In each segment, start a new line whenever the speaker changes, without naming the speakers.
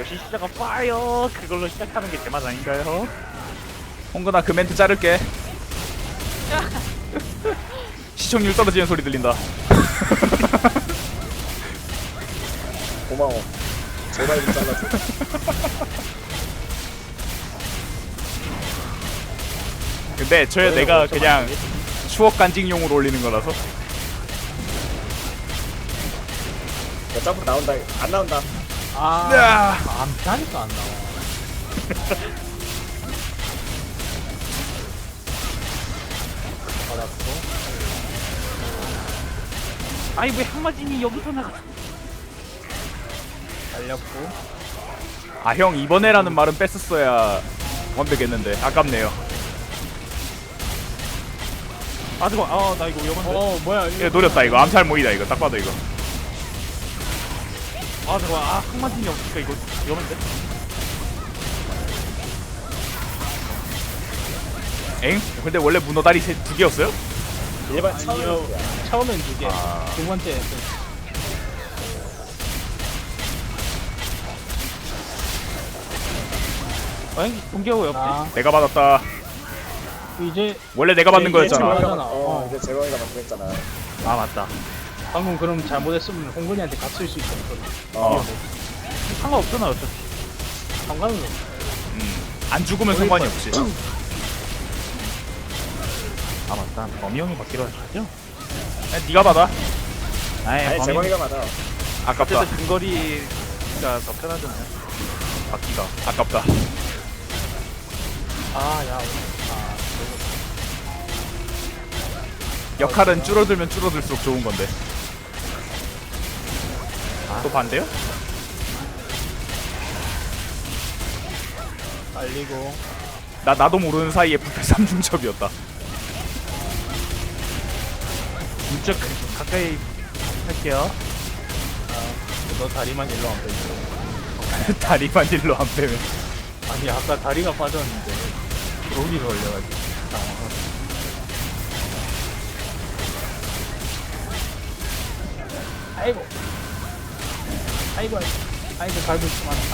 역시 시작은 파이어 그걸로 시작하는 게 제맛 아닌가요?
홍근아 그 멘트 자를게. 시청률 떨어지는 소리 들린다.
고마워. 제발 좀 잘라줘.
근데 저 내가 그냥 추억 간직용으로 올리는 거라서.
야, 점프 나온다. 안 나온다.
야.
안 피하니까 안 나와. 받았고.
아니 왜 한마진이 여기서 나가?
달렸고.
아 형 이번에라는 말은 뺐었어야 완벽했는데 아깝네요.
아 잠깐 아나 이거 위험한데?
뭐야
이거 노렸다 이거. 암살 모이다 이거. 딱 봐도 이거.
아 잠깐 한마진이 없으니까 이거 위험한데?
엥? 근데 원래 문어 다리 두 개였어요?
일반
아니요.
처음이야.
처음엔 2개.
아.
두 번째.
아니 동기하고 옆에
아,
내가 받았다.
이제
원래 내가 받는
이제
거였잖아.
제가-
이제 재광이가 만들었잖아.
아 맞다
방금 그럼 잘못했으면 홍근이한테 갇힐 수 있잖아.
어.
상관없잖아 어차피
상관은 없어.
안 죽으면 상관이 없지.
아 맞다 범이 형이 받기로 하셨죠?
야, 네가 받아.
아이
아니
범이
재광이가 맞아.
아깝다.
어쨌든 근거리가 더 편하잖아요 받기가
아깝다.
아, 야.
역할은 줄어들면 줄어들수록 좋은 건데. 또 반대요?
빨리고.
나도 모르는 사이에 부패 3중첩이었다.
진짜 가까이 할게요
너 다리만 일로 안 빼줘.
다리만 일로 안 빼면.
아니, 아까 다리가 빠졌는데. 로기를 올려가지고. 당황하고. 아이고. 아이고, 아이고, 밟을 수 많다.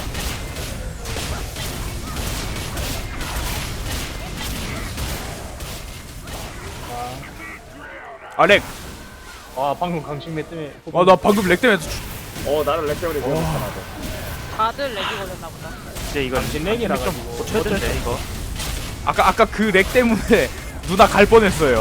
아 렉.
와, 방금 강식매 때문에.
나 방금 렉 때문에
나를 렉 때문에 위험했잖아.
다들 렉이 걸렸나 보다.
이제 이건
당신 렉이라
좀
가지고.
고쳐야 되는데 이거
아까 그 렉 때문에 누나 갈 뻔했어요.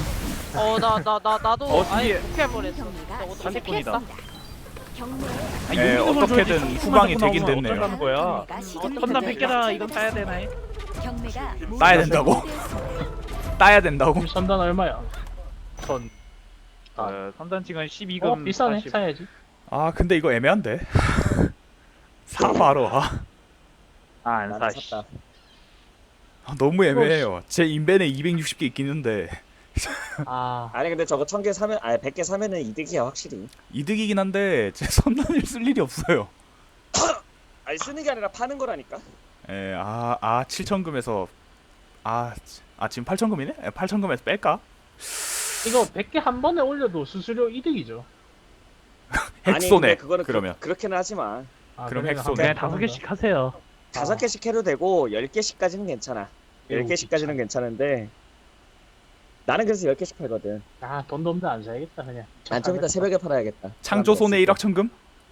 나도 아예
뒤에.
못할 뻔했어. 저거 어떻게
사기꾼이다.
피했다.
아니,
예,
용기를
어떻게든
줘야지.
후방이
조금만
되긴
더 나오면
됐네요.
어쩌라는 거야 선남 뺏겨라 이건 따야 되나요?
따야 된다고? 따야 된다고?
선단 얼마야? 선.
선단치가 12금
비싸네.
40.
사야지.
아 근데 이거 애매한데. 사 바로.
안
나는
사.
샀다.
너무 애매해요. 제 인벤에 260개 있긴 한데
아,
아니 근데 저거 1000개 사면 100개 사면은 이득이야 확실히.
이득이긴 한데 제 선단을 쓸 일이 없어요.
아니 쓰는 게 아니라 파는 거라니까.
예, 7,000금에서 지금 8,000금이네? 8,000금에서 뺄까?
이거 100개 한 번에 올려도 수수료 이득이죠.
아니 근데
핵손해.
그거는
그러면
그렇게는 하지 마.
아,
그럼
그러면
핵손해.
한
그냥
번에
5개씩 하세요
5개씩 해도 되고 10개씩까지는 괜찮아.
매우
10개씩까지는 괜찮은데 나는 그래서 10개씩 팔거든.
아, 돈도 없는데 안 사야겠다 그냥.
난 좀 이따 새벽에 팔아야겠다.
창조손해 1억 천금?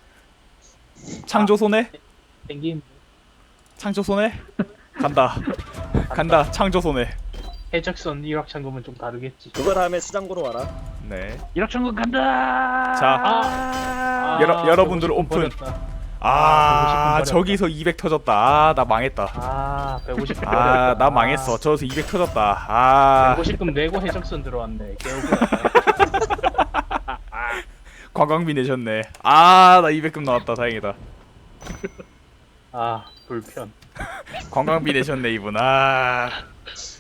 창조손해?
땡긴
창조손해? 간다. 간다. 창조손해.
해적선 1억 창금은 좀 다르겠지.
그거 다음에 수장 보러 와라.
네.
1억 천금 간다
자, 여러분들
150분
오픈.
버렸다. 150분
저기서 200 터졌다. 나 망했다.
150분
나 망했어. 저기서 200 터졌다.
150금 내고 해적선 들어왔네. 개억울하다.
관광비 내셨네. 나 200금 나왔다. 다행이다.
불편.
관광비 내셨네 이분.